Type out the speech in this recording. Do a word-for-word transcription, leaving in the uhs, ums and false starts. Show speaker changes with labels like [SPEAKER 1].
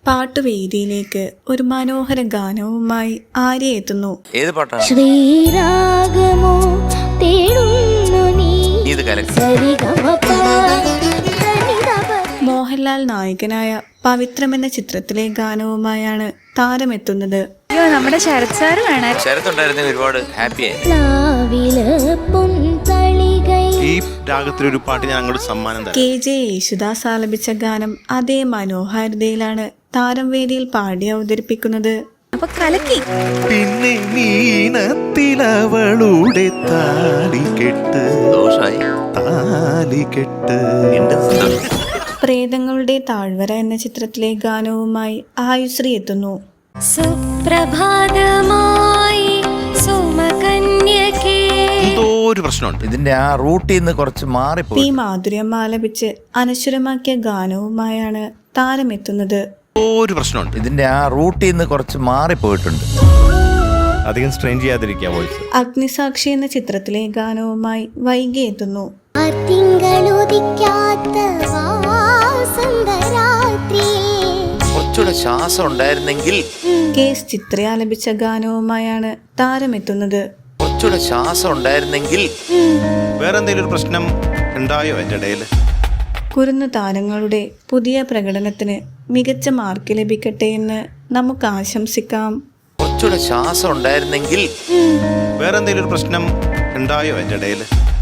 [SPEAKER 1] പാട്ടുവേദിയിലേക്ക് ഒരു മനോഹര ഗാനവുമായി ആര്യ എത്തുന്നു.
[SPEAKER 2] ഏത് പാട്ടാണ്?
[SPEAKER 3] ശ്രീരാഗമോ തേടുന്നു നീ.
[SPEAKER 2] ഇത് കലക്കി.
[SPEAKER 1] മോഹൻലാൽ നായകനായ പവിത്രം എന്ന ചിത്രത്തിലെ ഗാനവുമായാണ് താരമെത്തുന്നത്.
[SPEAKER 4] അയ്യോ, നമ്മുടെ ശരത് സാറ് വേണം.
[SPEAKER 2] ശരത് ഉണ്ടായിരുന്നെങ്കിൽ ഒരുപാട് ഹാപ്പിയായി.
[SPEAKER 5] ഈ രാഗത്തിലൊരു പാട്ട് ഞാൻ അങ്ങോട്ട് സമ്മാനം തരാം.
[SPEAKER 1] കെ ജെ യേശുദാസ് ആലപിച്ച ഗാനം അതേ മനോഹാരിതയിലാണ് താരം വേദിയിൽ പാടി അവതരിപ്പിക്കുന്നത്.
[SPEAKER 4] അപ്പൊ കലക്കി.
[SPEAKER 5] പിന്നെ മീനത്തിലവളുടെ താലികെട്ട്
[SPEAKER 2] ദോഷായി.
[SPEAKER 5] താലികെട്ട്
[SPEAKER 1] പ്രേതങ്ങളുടെ താഴ്വര എന്ന ചിത്രത്തിലെ ഗാനവുമായി ആയുശ്രീ എത്തുന്നു.
[SPEAKER 3] സുപ്രഭാതമായി സുമകന്യകേ.
[SPEAKER 5] എന്തോ ഒരു പ്രശ്നമുണ്ട്.
[SPEAKER 2] ഇതിന്റെ ആ റൂട്ടിൽ നിന്ന് കുറച്ച്
[SPEAKER 1] പി
[SPEAKER 2] മാറിപ്പോയി.
[SPEAKER 1] മാധുര്യം ആലപിച്ച് അനശ്വരമാക്കിയ ഗാനവുമായാണ് താരമെത്തുന്നത്.
[SPEAKER 5] ഒരു പ്രശ്നമുണ്ട്.
[SPEAKER 2] ഇതിന്റെ ആ റൂട്ടിൽ നിന്ന് കുറച്ച് മാറിപ്പോയിട്ടുണ്ട്.
[SPEAKER 5] അധികം സ്ട്രെയിൻ ചെയ്യാതിരിക്കുക വോയിസ്.
[SPEAKER 1] അഗ്നിസാക്ഷി എന്ന ചിത്രത്തിലെ ഗാനവുമായി വൈകി എത്തുന്നു.
[SPEAKER 2] കുറച്ചുകൂടെ ശ്വാസം ഉണ്ടായിരുന്നെങ്കിൽ.
[SPEAKER 1] കെ എസ് ചിത്ര ആലപിച്ച ഗാനവുമായാണ് താരമെത്തുന്നത്.
[SPEAKER 2] കുറച്ചുകൂടെ ശ്വാസം ഉണ്ടായിരുന്നെങ്കിൽ.
[SPEAKER 5] വേറെ എന്തെങ്കിലും ഒരു പ്രശ്നം ഉണ്ടായോ എന്റെ ഇടയിൽ?
[SPEAKER 1] കുരുന്നു താരങ്ങളുടെ പുതിയ പ്രകടനത്തിന് മികച്ച മാർക്ക് ലഭിക്കട്ടെ എന്ന് നമുക്ക് ആശംസിക്കാം.
[SPEAKER 2] കുറച്ചുകൂടെ ശ്വാസം ഉണ്ടായിരുന്നെങ്കിൽ.
[SPEAKER 5] വേറെ എന്തെങ്കിലും ഒരു പ്രശ്നം ഉണ്ടായോ എന്റെ ഇടയിൽ?